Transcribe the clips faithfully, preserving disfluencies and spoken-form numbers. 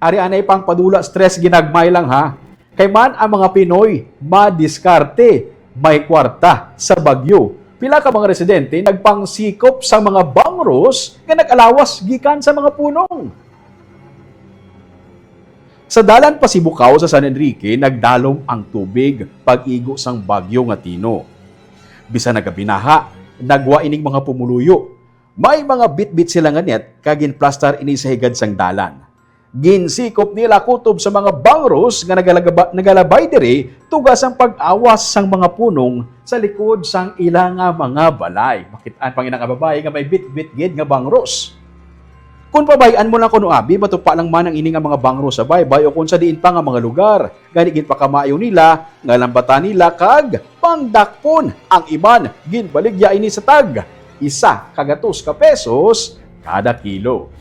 Ari anay pang padula stress ginagmay lang ha. Kay man ang mga Pinoy, madiskarte, may kwarta sa Bagyo. Pila ka mga residente nagpangsikop sa mga bangros nga nag-alawas gikan sa mga punong. Sa dalan Pasibukaw sa San Enrique, nagdalom ang tubig pag-igo sang bagyo nga Tino. Bisa nagabinaha, nagwa ining mga pumuluyo. May mga bit-bit sila nga net kagin plaster ini sa higad sang dalan. Ginsikop nila kutob sa mga bangros nga nagalagaba, nagalabay diri tugas ang pag-awas sang mga punong sa likod sang ilang nga mga balay. Makitaan pang inang babae nga may bit-bit gid nga bangros. Kung pabayaan mo lang kuno abi, matupa lang man ang ini nga mga bangros sa baybay o kung sa diin pa nga mga lugar. Gani gid pa kamayo nila, nga lambatan nila kag pangdakpon ang iban ginbaligya ini sa tag. Isa kagatos ka pesos kada kilo.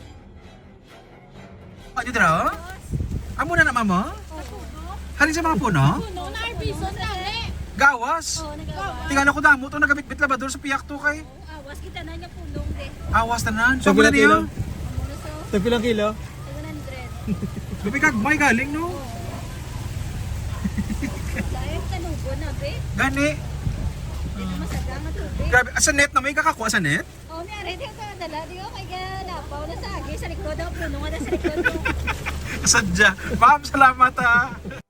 Ano dra? Amo na na mama? Halin sa mga puno? Puno na arbison dali. Gawas. Oh, nagawa. Tingala ko damo to nagabit-bit labador sa piyak to kay. Awas kita na niya punong de. Awas tanan. Sa So pala pilang niyo. Amo na so Tapilang kilo? one hundred. Gabi kag may galing no. Dahil tanubo na be. Gani. Dito masaga nga tubig. Grabe, sa net na may kakakuha sa net. Oh, ni are di ka dala di ko kay ganapaw na sa agi sa likod ang puno nga na sa likod. Sadya. Ma'am, salamat ha.